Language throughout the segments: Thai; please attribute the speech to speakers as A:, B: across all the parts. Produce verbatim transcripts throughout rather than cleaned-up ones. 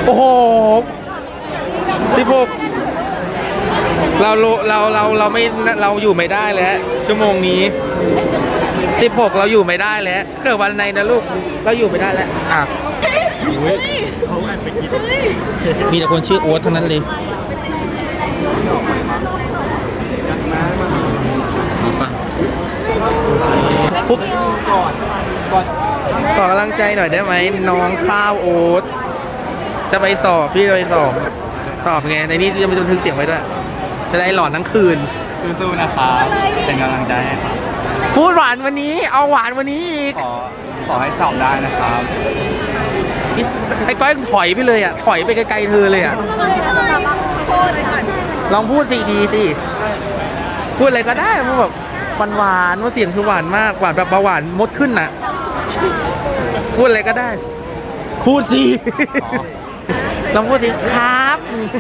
A: โอ้โหที่พวกเราเราเราเราไม่เราอยู่ไม่ได้แล้วชั่วโมงนี้สิบหกเราอยู่ไม่ได้แล้วเกิดวันไหนนะลูกเราอยู่ไม่ได้แล้วอ่ะมีแต่คนชื่อโอ๊ตเท่านั้นเลยปุ๊บก่อนก่อนขอกำลังใจหน่อยได้ไหมน้องข้าวโอ๊ตจะไปสอบพี่จะไปสอบสอบไงในนี้จะมีบันทึกเสียงไว้ด้วยจะได้หลอนทั้งคืน
B: สู้ๆนะครับเป็นกำลังใจให้ครับ
A: พูดหวานวันนี้เอาหวานวันนี้อีก
B: ขอขอให้สอบได้นะครับ
A: ไอ้ก้อยถอยไปเลยอ่ะถอยไปไกลๆเธอเลยอ่ะลองพูดสิดีสิพูดอะไรก็ได้มันแบบหวานว่าเสียงคือหวานมากหวานแบบเบาหวานมดขึ้นน่ะพูดอะไรก็ได้พูดสิลองพูดสิครับ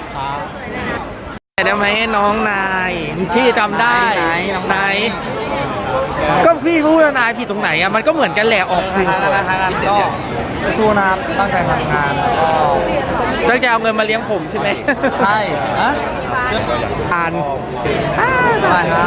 A: ได้ไหมน้องนายที่จำได้น้องนายก็พี่พูดนายผิดตรงไหนอ่ะมันก็เหมือนกันแหละออกสื่อ
B: ก็สู้นะครับตั้งใจทำงานก็
A: ตั้งใจเอาเงินมาเลี้ยงผมใช่ไหม
B: ใช่ฮะ
A: อ่าน
B: ใช่ครับ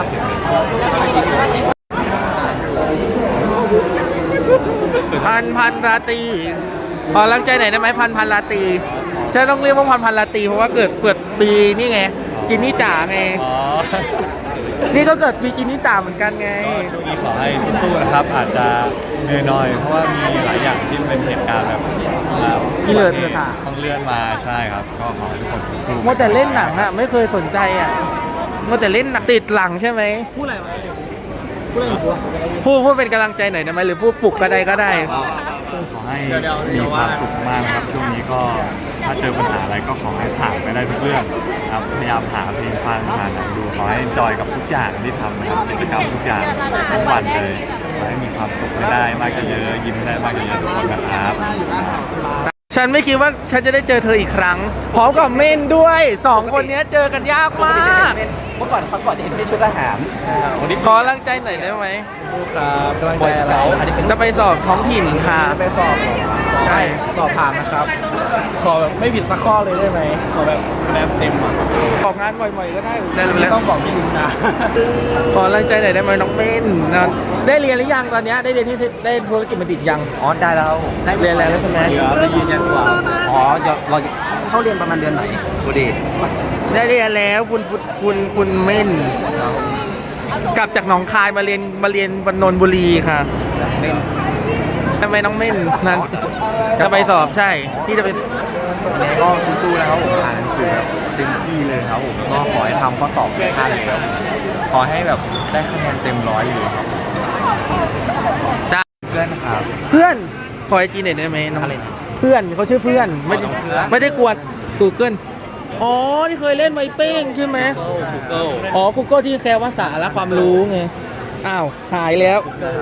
A: พันพันราตรีขอรังใจไหนได้ไหมพันพันราตรีฉันต้องเรียกว่าพันพันราตรีเพราะว่าเกิดเกิดปีนี่ไงกินนี่จ่าไงนี่ก็เกิดปีกินนี่จ่าเหมือนกันไง
B: ช่วงนี้ขอให้สู้ๆนะครับอาจจะเหนื่อยหน่อยเพราะว่ามีหลายอย่างที่เป็นเหตุการณ์แบบ
A: ที่เลื่อนเลื่อน
B: ต้องเลื่อนมาใช่ครับก็ขอให้ทุกคนสู้
A: ๆมัวแต่เล่นหนังอ่ะไม่เคยสนใจอ่ะมัวแต่เล่นหนังติดหลังใช่ไหม
B: พูดอะไรมา
A: พูดอะไรพูดพูดเป็นกำลังใจหน่อยได้ไหมหรือพูดปลุกก็ได้ก็ได้
B: ขอให้มีความสุขมากนะครับช่วงนี้ก็ถ้าเจอปัญหาอะไรก็ขอให้ผ่านไปได้ทุกเรื่องครับพยายามหาเพลงฟังหาหนังดูขอให้จอยกับทุกอย่างที่ทำนะครับกิจกรรมทุกอย่างทุกวันเลยขอให้มีความสุขได้มากเยอะยิ้มได้มากเยอะทุกคนนะครับ
A: ฉันไม่คิดว่าฉันจะได้เจอเธออีกครั้งพร้อมกับเม่นด้วยสองคนนี้เจอกันยากมาก
B: เมื่อก่อนเขาก่อนจะเห็นที่ชุดทหาร
A: ขอรังใจหน่อยได้ไหม
B: ครับกำลังใจอะไร
A: จะไปสอบท้องถิ่นค่ะ
B: ไปสอบ
A: ใช่
B: สอบผ่านนะครับขอแบบไม่ผิดสักข้อเลยได้ไหมขอแบบคะแนนเต็มอ่ะ
A: ออกงานบ่อยๆก็ได้
B: ไม่ต้องบอกพี่ลิงนะ
A: ขอรังใจหน่อยได้ไหมน้องเม่นนะได้เรียนหรือยังตอนนี้ได้เรียนที่ได้ธุรกิจบัณฑิตยัง
B: อ๋อได้แล้ว
A: ได้เรียนแล้วใช่ไหม
B: จะยืนยันว่าอ๋อเราเข้าเรียนประมาณเดือนไหนกูดี
A: ได้เรียนแล้วคุณคุณคุณเม่นกลับจากหนองคายมาเรียนมาเรียนบรรนนบุรีค่ะทำไมน้องเม่นนั้นจะไปสอบใช่พี่จะไป
B: ก็สู้ๆนะครับผมอ่านหนังสือแบบเต็มที่เลยครับผมก็ขอให้ทำข้อสอบได้เลยครับขอให้แบบได้คะแนนเต็มร้อยอยู่ครับ
A: จ้า
B: เพื่อนครับ
A: เพื่อนขอไอจีหน่อยได้ไหมน้องเพื่อนเขาชื่อเพื่อนไม่ไม่ได้กวดกูเกิลอ๋อที่เคยเล่นไวเป้งใช่ไหมอ๋อ Google ที่แซวภาษาและความรู้ไงอ้าวหายแล้ว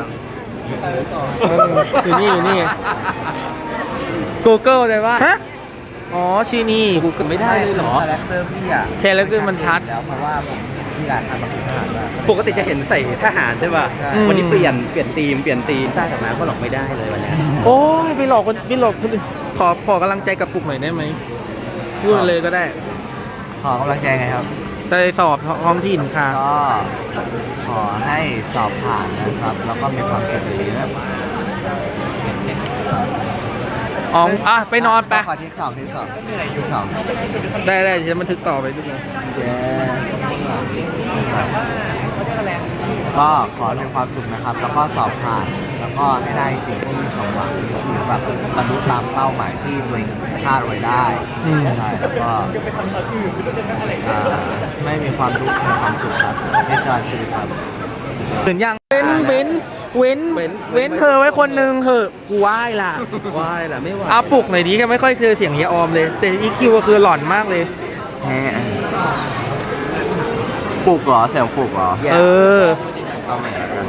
A: อยู่นี่อยู่นี่ Google เลยว่าฮะอ๋อชื่อนี่ Google ไม่ได้เลยเหรอ
B: คาแรคเตอร์พี่อ่ะ
A: แคาแรคเตอร์มันชัด
B: แล้วเพราะว่าผมที่ร้านทำมาเป็นทหาร
C: ปกติจะเห็นใส่ทหารใช่ป่ะวันนี้เปลี่ยนเปลี่ยนธีมเปลี่ยนธีมใต้กับมาก็หลอกไม่ได้เลยวันนี้
A: โอ้ยไปหลอกคนไปหลอกคนอื่นขอขอกำลังใจกับปุกหน่อยได้ไหมพูดเลยก็ได้
B: ขอกำลังใจไงครับ
A: จะสอบท้องถิ่นค่ะ
B: ก็ขอให้สอบผ่านนะครับแล้วก็มีความสุขดีนะ
A: อ๋ออ่ะไปนอนไป
B: ขอที่สองที่สองที่สอง
A: ได้ได้จะบันทึกต่อไปด้วย
B: ก็ขอมีความสุขนะครับแล้วก็สอบผ่านแล้วก็ให้ได้สิ่งที่สมหวังหรือแบบบรรลุตามเป้าหมายที่ตัวเองคาดไว้ได้ใช่แล้วก็ไม่มีความทุกข์มีความสุขครับในการชีวิตครับ
A: เหมือนยังเว้นเว้นเว้นเว้นเธอไว้คนนึงเถอะกูไหว้ล่ะ
C: ไหว้ล่ะไม่ไหว
A: เอาปลุกหน่อยดีแค่ไม่ค่อยเคยเสียงเฮียออมเลยแต่อีคิวก็คือหล่อนมากเลย
B: แฮะปลุกเหรอเสียงปลุกเหรอ
A: เออ
B: เอาใหม่กัน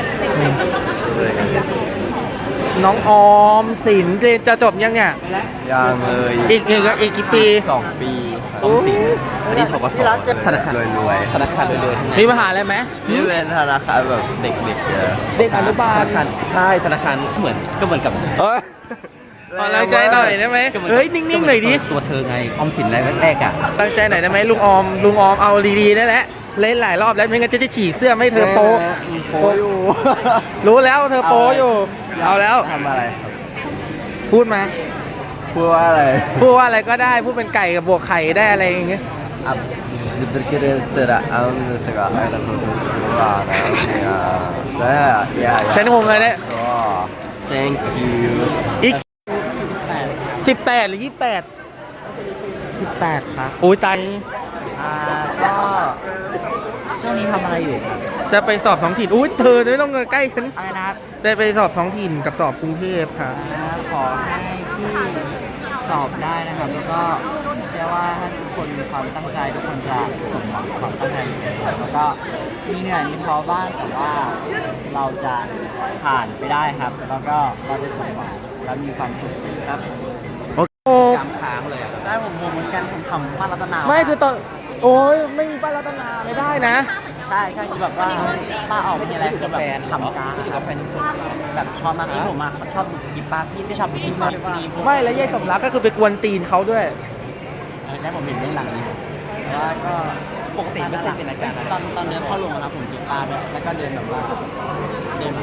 A: น้องออมสินเรียนจะจบยังเนี่ย
B: ยังเลย
A: อีกอีกอีกกี่ปี
B: สองปีออมสินอันนี้ถกสธนาคารรวย
C: ๆธนาคารรวย
A: ๆมีมหาอะไรไหม
B: นี่เป็นธนาคารแบบเด็กๆเยอะ
A: เด็กอนุบาล
C: ใช่ธนาคารเหมือนก็เหมือนกับ
A: เฮ้ยขอกำลังใจหน่อยได้ไหมเฮ้ยนิ่งๆหน่อยดิ
C: ตัวเธอไงออมสินแรกแรกๆอ่ะ
A: กำลังใจหน่อยได้ไหมลุงออมลุงออมเอาดีๆได้แหละเล่นหลายรอบแล้วไม่งั้นจะจะฉีกเสื้อไม่ให้เธอโป๊ะ
D: โปอยู่
A: รู้แล้วเธอโป๊ะอยู่เอาแล้ว
D: ทำอะไรครับ
A: พูดมา
D: พูดว่าอะไร
A: พูดว่าอะไรก็ได้พูดเป็นไก่กับบวกไข่ได้อะไรอย่างเงี้ย
D: อ่ะจะเป็นกิเลสระอันนี้สิกะไอ้เราพูดถึงสุรานะแล้วเนี่ย
A: ฉันงงเลยเนี่ย
D: ก็ thank you
A: อีกสิบแปดหรือยี่แปด
C: สิบแปดครับ
A: โอ้ยตาย
C: อ่าก็ช่วงนี้ทำอะไรอยู่ครับ
A: จะไปสอบท้องถิ่นอุ้ยเธอไม่ต้องใกล้ฉัน
C: อะไรนะครับ
A: จะไปสอบท้องถิ่นกับสอบกรุงเทพค่ะ
C: อ่าขอให้พี่สอบได้นะครับ แล้วก็เชื่อว่าถ้าทุกคนมีความตั้งใจทุกคนจะสมหวังความตั้งใจของตัวเองแล้วก็มีเหนื่อยมีท้อบ้างแต่ว่าเราจะผ่านไปได้ครับ แล้วก็เราจะสมหวังและมีความสุขครับ
A: โอ้โห
C: จำค้างเลยอะได้ผมผมเหมือนกันผมทำมารัตนา
A: ไม่คือตอนโอ้ยไม่มีป้ารัตนาไม่ได้นะ
C: ใช่ใช่คือแบบว่าป้าออกมีอะไรคือแบบทำการกับแฟนชมแบบชอบมากที่ผมมาชอบดูคลิปป้าพี่ไม่ชอบดูคลิปมากมีพวก
A: ไม่แล้วยายสมรักก็คือไปกวนตีนเขาด้วย
C: เออได้ผมเห็นเรื่องหลังนี้แต่ว่าก็ปกติไม่เคยเป็นอาการตอนตอนเดินเข้าโรงนะผมจีบป้าด้วยแล้วก็เดินแบบว่าเดินแบบ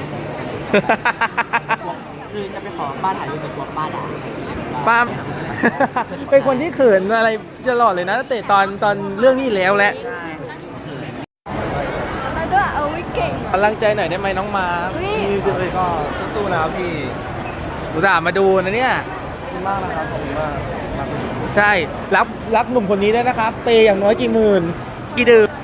C: คือจะไปขอป้าถ่ายรูปกับตัวป้าด่า
A: ป้า เป็นคนที่เขินอะไรตลอดเลยนะตั้งแต่ตอนตอนเรื่องนี้แล้วแหละ
E: มาด้วยเอาวิเก่ง
A: กำลังใจหน่อยได้ไหมน้องมา
E: นี่
A: พี่ก็
D: สู้ๆนะครับพี่
A: อุตส่าห์มาดูนะเนี่ย
D: ขอบคุณมากนะครับขอบคุณมากครับ
A: ใช่รับรับหนุ่มคนนี้ด้วยนะครับ เตยอย่างน้อยกี่หมื่นกี่ดื่ม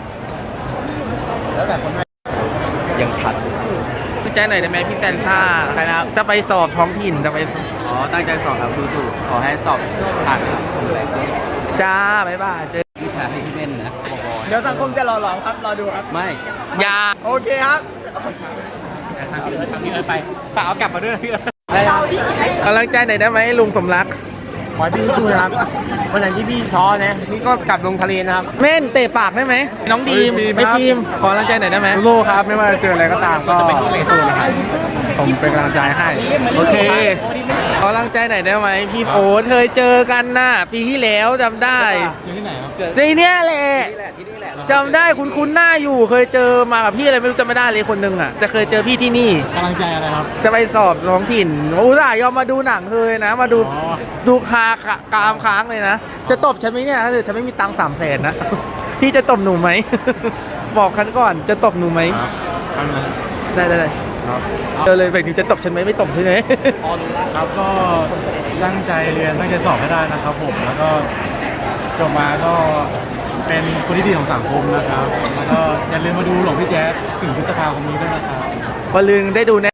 D: แล้วแต่คนให้
C: ยังชัด
A: กำลังใจหน่อยได้ไหมพี่แฟนท่าใครนะจะไปสอบท้องถิ่นจะไป
C: อ๋อตั้งใจสอบครับสู้ๆขอให้สอบผ่านครับ
A: จ้าบ๊ายบายเจอ
C: วิชาให้พี่เม่นนะบอก
A: เดี๋ยวสังคมจะรอหลอมครับรอดูครับ
C: ไม่
A: ยาโอเคครับทำนี้ทำนี้เลยไปฝากเอากลับมาด้วยพี่กำลังใจหน่อยได้ไหมลุงสมรัก
F: ขอให้พี่สู้นะครับวันไหนที่พี่ท้อนะนี่ก็กลับลงทะเลนะครับ
A: เม่นเตะปากได้ไหมน้องดีมไม่ฟิล์มขอกำลังใจหน่อยได้ไหม
F: โลครับ ไม่ว่าจะเจออะไรก็ตามก็สู้นะครับผมเป็นกำลังใจให้
A: โอเคขอกำลังใจหน่อยได้ไหมพี่โอ๊ตเคยเจอกันน่ะปีที่แล้วจำได้
F: เจอที่ไหนครับ
A: ทีเนี้ยแหละ
C: ที่แหละที่นี่แหละ
A: จำได้คุณคุ้นๆหน้าอยู่เคยเจอมากับพี่อะไรไม่รู้จำไม่ได้เลยคนหนึงอ่ะแต่เคยเจอพี่ที่นี่
F: กำลังใจอะไรครับ
A: จะไปสอบท้องถิ่นอุตส่าห์ยอมมาดูหนังเคยนะ มาดู
F: อ๋อ
A: ดูคากามค้างเลยนะ จะตบฉันไหมเนี่ยถ้าเกิดฉันไม่มีตังค์สามแสนนะ พี่จะตบหนูไหม บอกฉันก่อนจะตบหนูไหม
F: ครับ
A: ได้ได้ได้
F: ครับ
A: เจอเลยแบบนี้จะตบฉันไหมไม่ตบใช่ไหม
F: ครับก็ตั้งใจเรียนตั้งใจสอบให้ได้นะครับผมแล้วก็จบมาก็เป็นคนที่ดีของสังคมนะครับแล้วก็อย่าลืมมาดูหลวงพี่แจ๊สถึงพฤษภาคมนี้ด้วยนะครับ
A: วันลืนได้ดูแน่